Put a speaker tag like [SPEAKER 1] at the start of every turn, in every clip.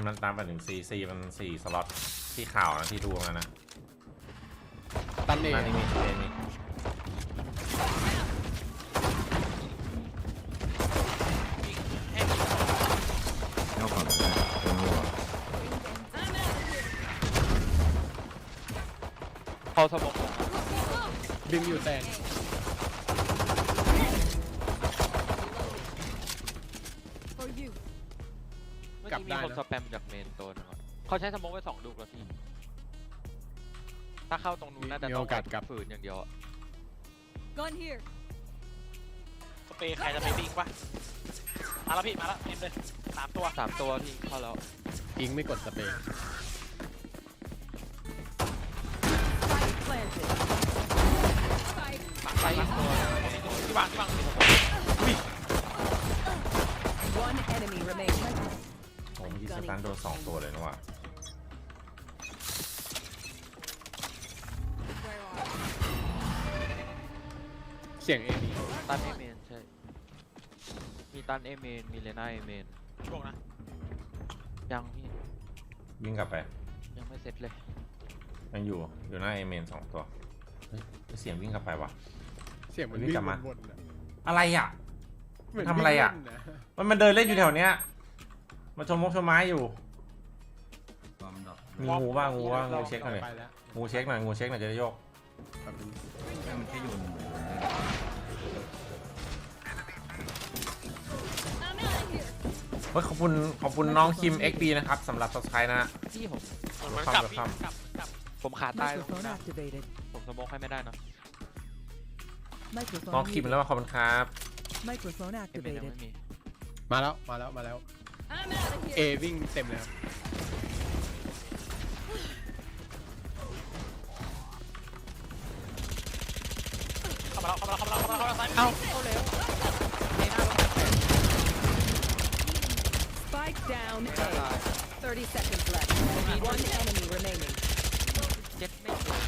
[SPEAKER 1] มันตามไปถึงซีมัน4 สล็อตที่ข่าวนะที่ดูมานะ
[SPEAKER 2] ตันเอง
[SPEAKER 1] นั่นนี่มีนี่
[SPEAKER 3] เข้าก่อนก็ได้เป็นหัว
[SPEAKER 4] เขาสมอง
[SPEAKER 2] บิมอยู่แตง
[SPEAKER 4] เมื่อกี้มีคนสแปมจากเมนตัวนึงอะเขาใช้สมองไป2 ลูกแล้วพี่ถ้าเข้าตรงนู้นน่าจะต้องฝืนอย่างเดียวอะ
[SPEAKER 5] Gun here.
[SPEAKER 6] สเปรย์ใครจะไปวิ่งปะมาแล้วพี่มาแล้วเต็มเลย3 ตัว
[SPEAKER 4] 3 ตัวพี่เข้าแล้ว
[SPEAKER 2] อิงไม่กดสเปรย์
[SPEAKER 5] Spike planted. Spike.
[SPEAKER 4] ไปอีกตัว
[SPEAKER 6] ที่วาง
[SPEAKER 5] One enemy remaining.
[SPEAKER 1] ผมที่สตันโดน2 ตัวเลยนะว่ะ
[SPEAKER 2] เสียงเอมี
[SPEAKER 4] ตันเอเมนใช่มีตันเอเมนมีเลน่าเอเมน
[SPEAKER 6] ช่วงนะ
[SPEAKER 4] ยังพี่
[SPEAKER 1] วิ่งกลับไป
[SPEAKER 4] ยังไม่เสร็จเลย
[SPEAKER 1] ยังอยู่หน้าเอเมน2 ตัวเฮ้ยเสียงวิ่งกลับไปวะ
[SPEAKER 2] เสียงมัน
[SPEAKER 1] วิ่
[SPEAKER 2] วิ่
[SPEAKER 1] ง
[SPEAKER 2] ง
[SPEAKER 1] กลับมา
[SPEAKER 2] วนๆอะ
[SPEAKER 1] อะไรอ่ะ
[SPEAKER 2] เหมืน
[SPEAKER 1] ทำอะไรอะ
[SPEAKER 2] วิ่งเล่นน
[SPEAKER 1] มันเดินเล่นอยู่แถวเนี้ยมาชมไม้อยู่
[SPEAKER 3] ความดับ
[SPEAKER 1] มีงูบ้างงูเช็คหน่อย
[SPEAKER 2] ไปแล้ว
[SPEAKER 1] งูเช็คหน่อยจะได้โยก
[SPEAKER 2] แบบนี้
[SPEAKER 3] แค่มันแค่โยน
[SPEAKER 5] I'm out of here.
[SPEAKER 1] เฮ้ยขอบคุณน้องคิม XP นะครับสำหรับ subscribe นะ
[SPEAKER 4] พี่ผม
[SPEAKER 6] เหมือนกลับพี่กลับ
[SPEAKER 4] ผมขาตายตรงนี้
[SPEAKER 5] Microphone
[SPEAKER 4] นะ
[SPEAKER 5] activated.
[SPEAKER 4] ผมสมองให้ไม่ได้นะ
[SPEAKER 5] Microphone
[SPEAKER 1] น้องคิม
[SPEAKER 5] muted.
[SPEAKER 1] แล้วขอบคุณครับ
[SPEAKER 5] Microphone
[SPEAKER 4] เอเมนยัง
[SPEAKER 5] activated.
[SPEAKER 4] ไม่มี
[SPEAKER 2] มาแล้ว
[SPEAKER 5] I'm out of
[SPEAKER 2] เอ
[SPEAKER 5] here.
[SPEAKER 2] วิ่งเต็มเลยครับ
[SPEAKER 6] เข้ามาแล้วซ้าย
[SPEAKER 4] เอ้าเข้าแล้วในหน้าต้องแตก
[SPEAKER 5] Spike down
[SPEAKER 4] ตาย
[SPEAKER 5] A. 30 seconds left. One enemy remaining.
[SPEAKER 4] เจ็ดไม่ถึง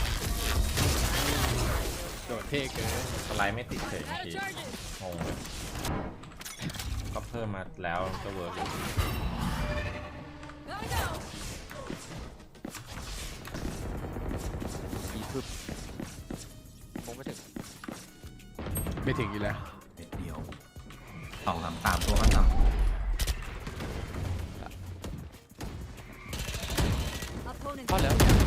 [SPEAKER 2] โดดเท่เกิน
[SPEAKER 1] สไลด์ไม่ติดเฉยเมื่อกี้งงเลยก็เพิ่มมาแล้วก็เวิร์กอยู่
[SPEAKER 5] Gotta go.
[SPEAKER 4] อีพึบผมไม่ถึง
[SPEAKER 2] ไม่ถึงอีกแล้ว
[SPEAKER 3] เม็ดเดียว2-3ตัวก็ท
[SPEAKER 5] Opponent
[SPEAKER 4] เข้าแล้ว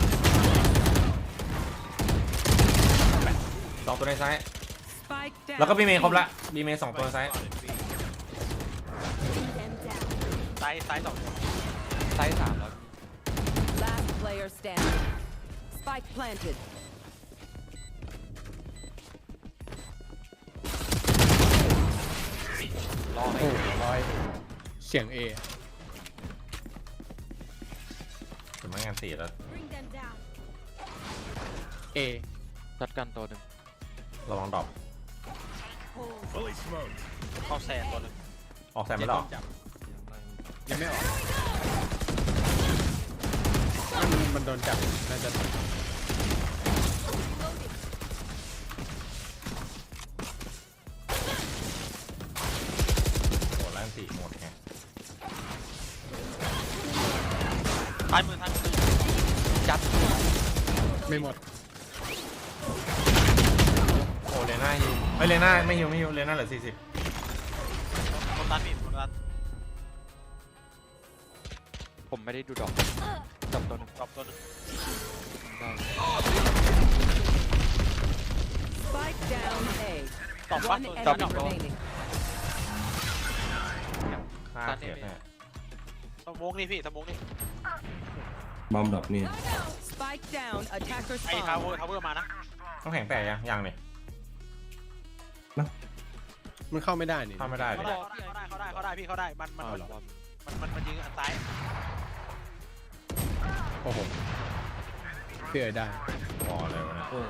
[SPEAKER 1] 2 ตัวในซ้าย
[SPEAKER 5] spike down.
[SPEAKER 1] แล้วก็บีเมย์ครบละบีเมย์2 ตัวในซ้าย
[SPEAKER 5] Them down.
[SPEAKER 6] ซ้าย2
[SPEAKER 4] ไซส์3แล้ว
[SPEAKER 5] Last player standing. Spike planted.
[SPEAKER 4] รอให้
[SPEAKER 2] โอ้ร้อยเสียงเอ
[SPEAKER 1] ถึงไม่งานตีแล้ว
[SPEAKER 5] Bring them down.
[SPEAKER 2] เอ
[SPEAKER 4] จัดกันตัวหนึ่ง
[SPEAKER 1] ระวังดรอป
[SPEAKER 6] เข้าแซนตัวนึง
[SPEAKER 1] ออกแซมไม่หรอ
[SPEAKER 2] จับยังไม่ออกมันโดนจับน่าจะ
[SPEAKER 1] โหดแล้วตีหมดไง
[SPEAKER 6] ซ้ายมือ
[SPEAKER 4] จัด
[SPEAKER 2] ไม่หมด
[SPEAKER 1] โอ้เลน่าฮิวเฮ้ยเลน่าไม่ฮิวเลน่าเหลือ40
[SPEAKER 6] โดนตันพี่โดนตัน
[SPEAKER 4] ผมไม่ได้ดูดอกจับตัวหนึ่ง
[SPEAKER 6] ดรอปตัวนึง
[SPEAKER 4] ได้
[SPEAKER 5] Spike down A.
[SPEAKER 6] ตอบว่า
[SPEAKER 5] One
[SPEAKER 6] ตัว
[SPEAKER 5] enemy remaining.
[SPEAKER 1] ค่าเสียแน่
[SPEAKER 6] สมองนี่พี่สมองนี่
[SPEAKER 3] ำบอมดับนี่
[SPEAKER 5] Spike down. Attacker
[SPEAKER 6] ไอ้ทาวเวอ
[SPEAKER 5] spawn.
[SPEAKER 6] ร์มานะ
[SPEAKER 1] ต้องแข็งแตกยังเนี่ย
[SPEAKER 2] มันเข้าไม่ได้นี่
[SPEAKER 1] เข้าไม่ได้เลย
[SPEAKER 6] เขาได้พี่เขาได้มันยิงอันซ้าย
[SPEAKER 2] โอ้โหเพื่อได้
[SPEAKER 1] พอเลยวะเนี่ย
[SPEAKER 3] โอ้ย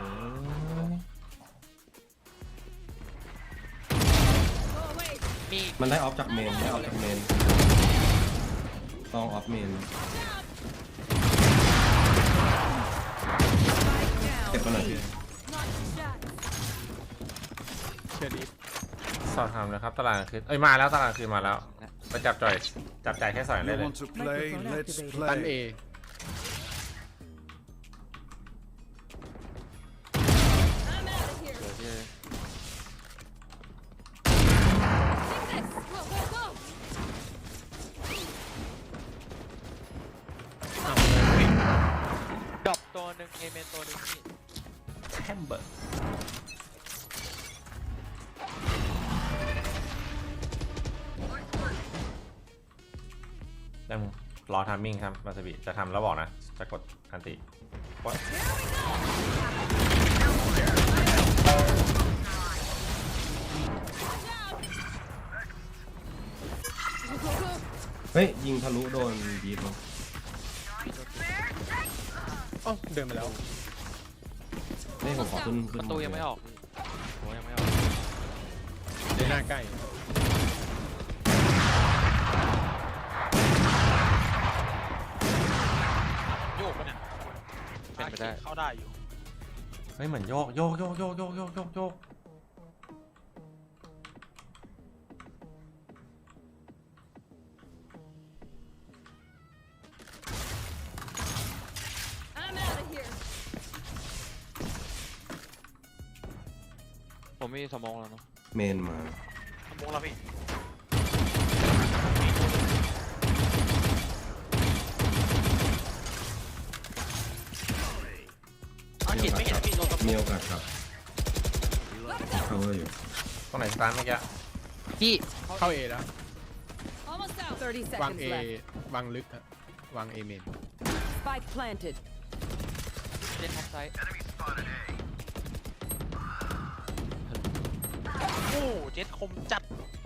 [SPEAKER 5] Go away.
[SPEAKER 4] มี
[SPEAKER 3] มันได้ออฟจากเมนต้องออฟเมน
[SPEAKER 5] Spike
[SPEAKER 3] เก็บ
[SPEAKER 5] down
[SPEAKER 3] มาหน่อย
[SPEAKER 5] B.
[SPEAKER 3] พี่
[SPEAKER 5] Not shot.
[SPEAKER 2] เชื่อดี
[SPEAKER 1] สอบถามนะครับตลาดคืนมาแล้วตลาดคืนมาแล้ว ไปจับจ่ายแค่สอยได้
[SPEAKER 7] You
[SPEAKER 1] เลย
[SPEAKER 7] want to play?
[SPEAKER 5] Microphone
[SPEAKER 7] Let's
[SPEAKER 5] activated.
[SPEAKER 2] ตัน
[SPEAKER 7] play.
[SPEAKER 2] เอ
[SPEAKER 4] เดี๋ยวพี่
[SPEAKER 2] อ้าว
[SPEAKER 4] ดรอปตัวหนึ่งเอเมนตัวหนึ่งพี่
[SPEAKER 1] แชมเบอร์ได้มึงรอทามมิ่งครับมาสบิจะทำแล้วบอกนะ จะกดอันติว่า
[SPEAKER 3] เฮ้ยยิงทะลุโดนบีบลง
[SPEAKER 2] อ๋อเดินมาแล้ว
[SPEAKER 3] เฮ้ยผมขอขึ้น
[SPEAKER 4] ประตูยังไม่ออกพี่โอ้ยังไม่ออก
[SPEAKER 2] ในหน้าใกล้
[SPEAKER 6] โยกปะเนี่ย
[SPEAKER 4] เป็นไปได้
[SPEAKER 6] เข้าได้อยู่
[SPEAKER 1] เฮ้ยเหมือนโยก
[SPEAKER 4] ผมมีสมองแล้วเนาะ
[SPEAKER 3] เมนมา
[SPEAKER 6] ทำวงแล้วพี่เห็นไม่เห็นพี่โดนกระ
[SPEAKER 3] มี
[SPEAKER 6] ปุก
[SPEAKER 3] โอกาสครับ cover อยู่
[SPEAKER 1] ตรงไหนสตาร์ทเมื่อกี้
[SPEAKER 4] พี่
[SPEAKER 2] เข้าเอแล้ว
[SPEAKER 5] 30
[SPEAKER 2] วาง
[SPEAKER 5] seconds
[SPEAKER 2] เอ
[SPEAKER 5] left.
[SPEAKER 2] วางลึกฮะวางเอเมน
[SPEAKER 5] Spike planted.
[SPEAKER 4] เล่นท็อปไซด์
[SPEAKER 6] โอ้เจ็ดคมจัด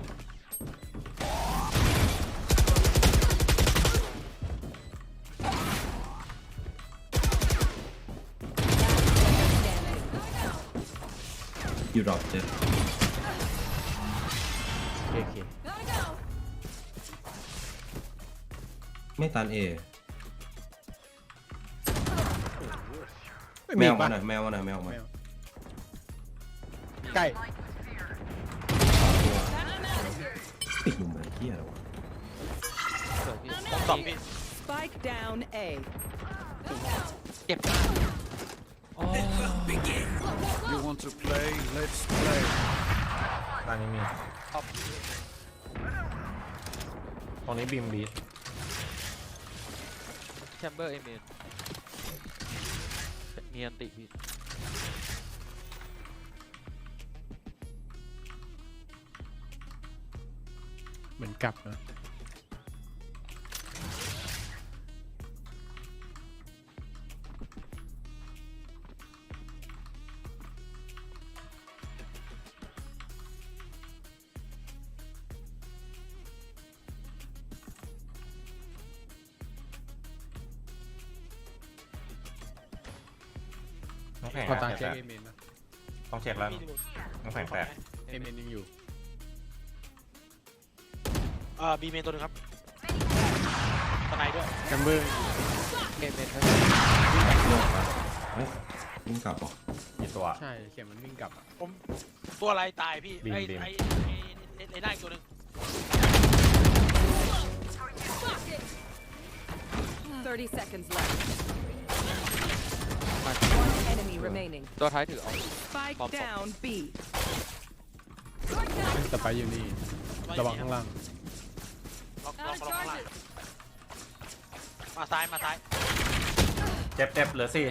[SPEAKER 3] อยู่ดรอปเจ็ด
[SPEAKER 2] โอเค
[SPEAKER 3] ไม่ตันเอ
[SPEAKER 2] ไม่
[SPEAKER 3] แม
[SPEAKER 2] มี
[SPEAKER 3] ว
[SPEAKER 2] ปะ
[SPEAKER 3] มาหน่อยแมวมาหน่อยแมวมา
[SPEAKER 2] แมวใกล้
[SPEAKER 3] ติดหลุมอะไรเที่ยอะไรวะ
[SPEAKER 4] สวยพี่
[SPEAKER 6] ผมตอบพี่
[SPEAKER 5] Spike down A.
[SPEAKER 4] เจ็บ
[SPEAKER 7] You want to play? Let's play.
[SPEAKER 1] ตอนนี้มี
[SPEAKER 6] ตอบ
[SPEAKER 1] ตรงนี้บีมบีท
[SPEAKER 4] แชมเบอร์เอเมนมีอันติพี่
[SPEAKER 2] เหมือนกลับนะ
[SPEAKER 1] น้องแข็ง
[SPEAKER 2] พอตา
[SPEAKER 1] แต
[SPEAKER 2] เช็ค
[SPEAKER 1] ก
[SPEAKER 2] เอเมนนะ
[SPEAKER 1] ต้องเช็คแล้ว
[SPEAKER 6] พี่ดู
[SPEAKER 1] น้องแข็งแตก
[SPEAKER 2] เอเมนยังอยู่
[SPEAKER 6] บีเมนตัวหนึงครับตะไนด้วย
[SPEAKER 2] แคมเบอร์
[SPEAKER 4] เอเมนครับ
[SPEAKER 3] โยกครับเฮ้ยวิ่งกลับเหรอ
[SPEAKER 1] กี่ตัว
[SPEAKER 2] ใช่เข็มมันวิ่งกลับอะ
[SPEAKER 6] ผมตัวอะไรตายพี่
[SPEAKER 1] บีม
[SPEAKER 6] ไอ้
[SPEAKER 1] บีม
[SPEAKER 6] ไอ้ไอ้หน้าอีกตัวหนึง
[SPEAKER 5] 30 seconds left. One enemy remaining.
[SPEAKER 4] ตัวท้ายถือเอา
[SPEAKER 5] Spike
[SPEAKER 4] Bomb.
[SPEAKER 5] down B.
[SPEAKER 2] สไปร์อยู่นี่ระวังข้างล่าง
[SPEAKER 6] ลองข้างล่างมาซ้ายมาซ้าย
[SPEAKER 1] เจ็บเหลือ4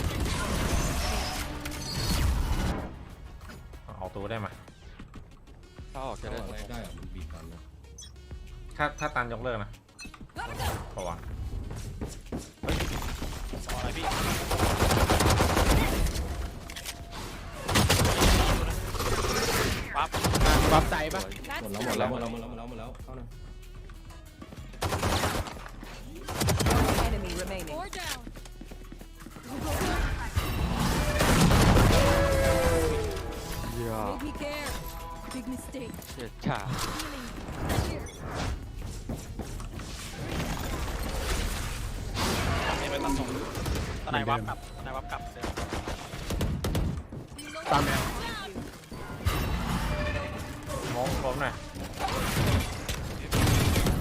[SPEAKER 1] เอาตัวได้ไหม
[SPEAKER 4] ถ้าออกจะ
[SPEAKER 3] จะ
[SPEAKER 4] ได้
[SPEAKER 3] ได้อะไรได้อะมันบีบกันนะ
[SPEAKER 1] ถ้าตันยกเลิกนะเพราะว่า
[SPEAKER 6] ต่ออะไรพี่ปั๊บ
[SPEAKER 2] วับไซปะ
[SPEAKER 3] หมดแล้วเข้าหน่อย
[SPEAKER 5] One enemy remaining.
[SPEAKER 4] ยา
[SPEAKER 5] Make me care. Big mistake.
[SPEAKER 4] เฉียดฉา
[SPEAKER 6] ไม่ไปตัดส่งตะไนวับกลับตะไนวับกลับเดี๋ยว
[SPEAKER 2] ตามแมว
[SPEAKER 1] มองล้มหน่อย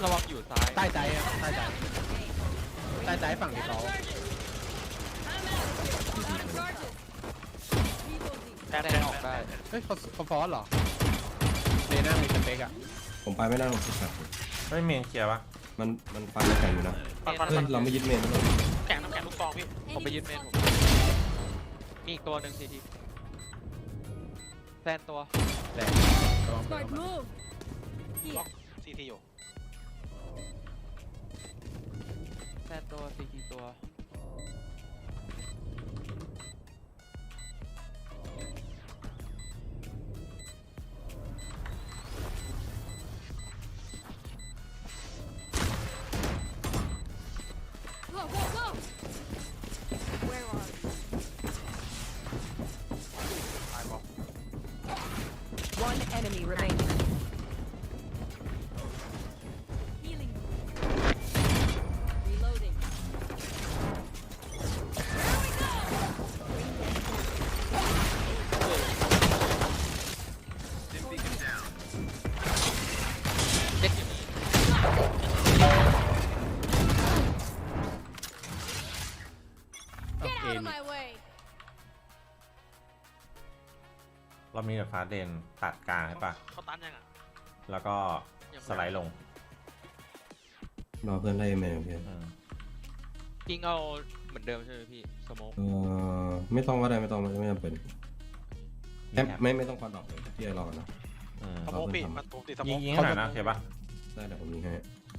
[SPEAKER 4] ระวังอยู่ซ้าย
[SPEAKER 2] ใต้ใจอ่ะใต้ใจใต้ใจฝั่งที่เขา
[SPEAKER 6] แทน
[SPEAKER 4] แด
[SPEAKER 6] แท
[SPEAKER 4] ง
[SPEAKER 6] น
[SPEAKER 4] ออกได้
[SPEAKER 2] เฮ้ยเขาฟอสเหรอเดน่ามีสเปกอ่ะ
[SPEAKER 3] ผมไปไม่ได้ผมติดแบบ
[SPEAKER 1] ไม่เมนเคลียร์ปะ
[SPEAKER 3] มันฟันแข็งอยู่นะ
[SPEAKER 6] ฟัน
[SPEAKER 3] เฮ้ยเราไม่ยึดเมนนะเลย
[SPEAKER 6] แข็งน้ำแข็งลูกกองพี่
[SPEAKER 4] ผมไปยึดเมนผมมีอีกตัวหนึ่งทีทีแซนตัว
[SPEAKER 2] แดงระวังเปิด
[SPEAKER 5] Smart
[SPEAKER 2] เข้ามา
[SPEAKER 5] move.
[SPEAKER 6] ล็อกซีทีอยู่
[SPEAKER 4] แซนตัวซีทีตัว
[SPEAKER 5] Go, go, go. Where are you?
[SPEAKER 6] ตายบอก
[SPEAKER 5] One enemy remaining. Healing. Reloading. Here we go.
[SPEAKER 4] เจ็ดอยู่นี่
[SPEAKER 2] เอา
[SPEAKER 5] Get
[SPEAKER 2] เอ็
[SPEAKER 5] out
[SPEAKER 2] น
[SPEAKER 5] of my way.
[SPEAKER 1] เรามีแบบฟ้าเดนตัดกลางใช่ปะ
[SPEAKER 6] เขาตันยังอ่ะ
[SPEAKER 1] แล้วก็สไลด์ลง
[SPEAKER 3] รอเพื่อนได้เมนเพื่อน
[SPEAKER 1] อืม
[SPEAKER 4] กิ้งเอาเหมือนเดิมใช่ไหมพี่สโมก
[SPEAKER 3] ไม่ต้องก็ได้ไม่ต้องไม่จำเป็นไม่ต้องควันดอกเลยพี่ไอ้รอนะ
[SPEAKER 1] อืม
[SPEAKER 6] สโมกพี่มันถูกติดสโม
[SPEAKER 1] ยิ
[SPEAKER 6] ก
[SPEAKER 1] งให้หน่อยนะโอเคปะ
[SPEAKER 3] ได้เดี๋ยวผมยิงให้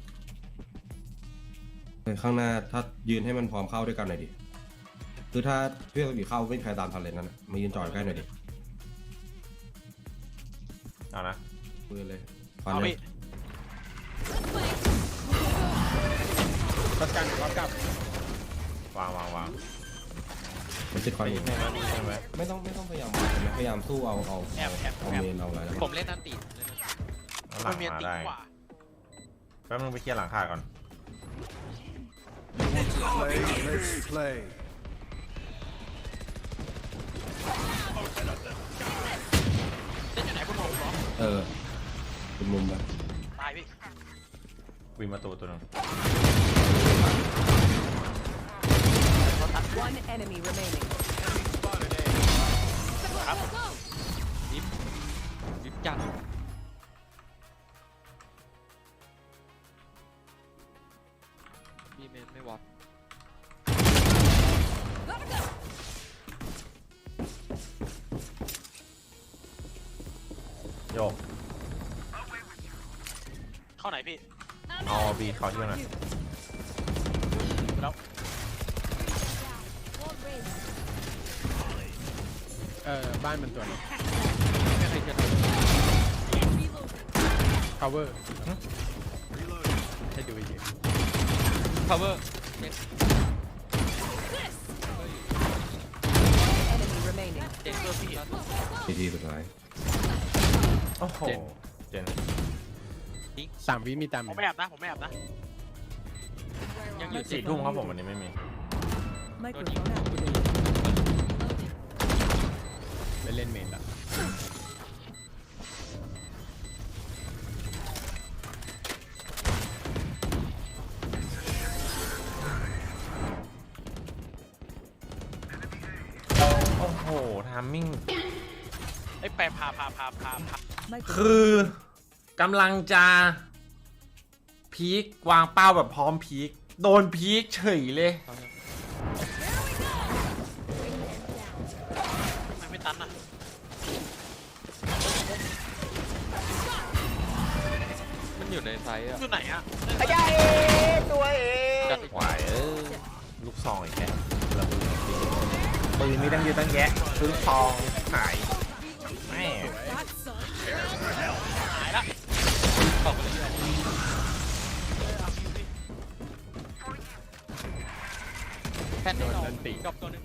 [SPEAKER 3] ข้างหน้าถ้ายืนให้มันพร้อมเข้าด้วยกันหน่อยดิคือถ้าเพื่อนอยู่เข้าไม่มีใครตามทันเลยนั่นมายืนจอดใกล้หน่อยดิ
[SPEAKER 1] เอานะ
[SPEAKER 3] ปืนเลยฟัน
[SPEAKER 6] เอา
[SPEAKER 3] เล
[SPEAKER 6] พี่
[SPEAKER 3] ย
[SPEAKER 2] ตัดกันรับกลับ
[SPEAKER 1] วาง
[SPEAKER 3] มันติดควัน
[SPEAKER 1] ยิ
[SPEAKER 3] อี
[SPEAKER 1] ง
[SPEAKER 3] ก
[SPEAKER 1] ให้แล้วใช่ไหม
[SPEAKER 3] ไม่ต้องพยายามพยายามสู้เอาเมนเอาอะไรแล้ว
[SPEAKER 4] ผมเล่นนันติ
[SPEAKER 1] แล้วหลั
[SPEAKER 6] มัน
[SPEAKER 1] ง
[SPEAKER 6] เมียน
[SPEAKER 1] มา
[SPEAKER 6] ตี
[SPEAKER 1] ได้
[SPEAKER 6] กว่า
[SPEAKER 1] แป๊บนึงไปเคลียร์หลังคาก่อน
[SPEAKER 7] Play, let's play.
[SPEAKER 6] เล่นอยู่ไหนคุณหมอเหรอ
[SPEAKER 3] เป็นมุมแบบ
[SPEAKER 6] ตายพี่
[SPEAKER 1] วินประตูตัวหนึง
[SPEAKER 5] One enemy remaining.
[SPEAKER 6] ครับ
[SPEAKER 5] Go.
[SPEAKER 4] ยึดจัดพี่เมนไม่วัด
[SPEAKER 5] Gotta go.
[SPEAKER 1] โยก
[SPEAKER 6] เข้าไหนพี่
[SPEAKER 1] เอาบีเขาช่วยหน่อย
[SPEAKER 6] แล้ว
[SPEAKER 5] Wall raised.
[SPEAKER 2] บ้านมันตัวนี้
[SPEAKER 4] ไม่เคยเจอ
[SPEAKER 5] Reloading.
[SPEAKER 2] cover ให้ดูอีกที
[SPEAKER 4] cover
[SPEAKER 5] This. Enemy remaining.
[SPEAKER 4] เจ็ดเพื่อพี่
[SPEAKER 5] Go, go, go.
[SPEAKER 3] ทีสุดท้าย
[SPEAKER 1] โอ้โหเจน
[SPEAKER 2] 3 วิมีตาม
[SPEAKER 6] ผมไม่แอบนะผมไม่แอบนะ
[SPEAKER 4] ยังอยู่
[SPEAKER 1] สี่ทุ่มครับผมวันนี้ไม่มี
[SPEAKER 5] Microphone activated. Loading.
[SPEAKER 2] ไปเล่นเมนละ
[SPEAKER 1] โอ้โหทามมิ่ง
[SPEAKER 6] ไอ้แปรพา
[SPEAKER 5] Microphone.
[SPEAKER 1] คือกำลังจะพีกวางเป้าแบบพร้อมพีกโดนพีกเฉยเลย
[SPEAKER 6] ทำไมไม่ตันอ่ะ
[SPEAKER 4] มันอยู่ในไซส์อะ
[SPEAKER 6] อยู่ไหนอ่ะ
[SPEAKER 4] จัดอีก
[SPEAKER 1] หวายลูกซองอีกแกระเบิดปืนมีตั้งเยอะตั้งแยะซื้อซองหายแม่
[SPEAKER 6] หายละ
[SPEAKER 4] เข้าไปเลย แพนได้ลองกับตัวหนึง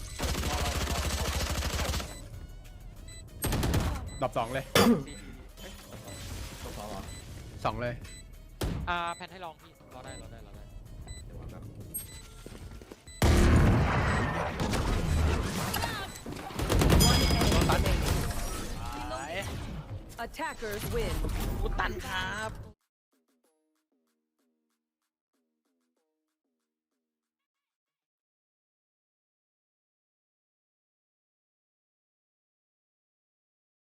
[SPEAKER 2] ดรอป2เลย2เลย
[SPEAKER 4] แพนให้ลองพี่รอได้
[SPEAKER 5] One enemy remaining.
[SPEAKER 6] หาย
[SPEAKER 5] Attackers win.
[SPEAKER 6] กูตันครับ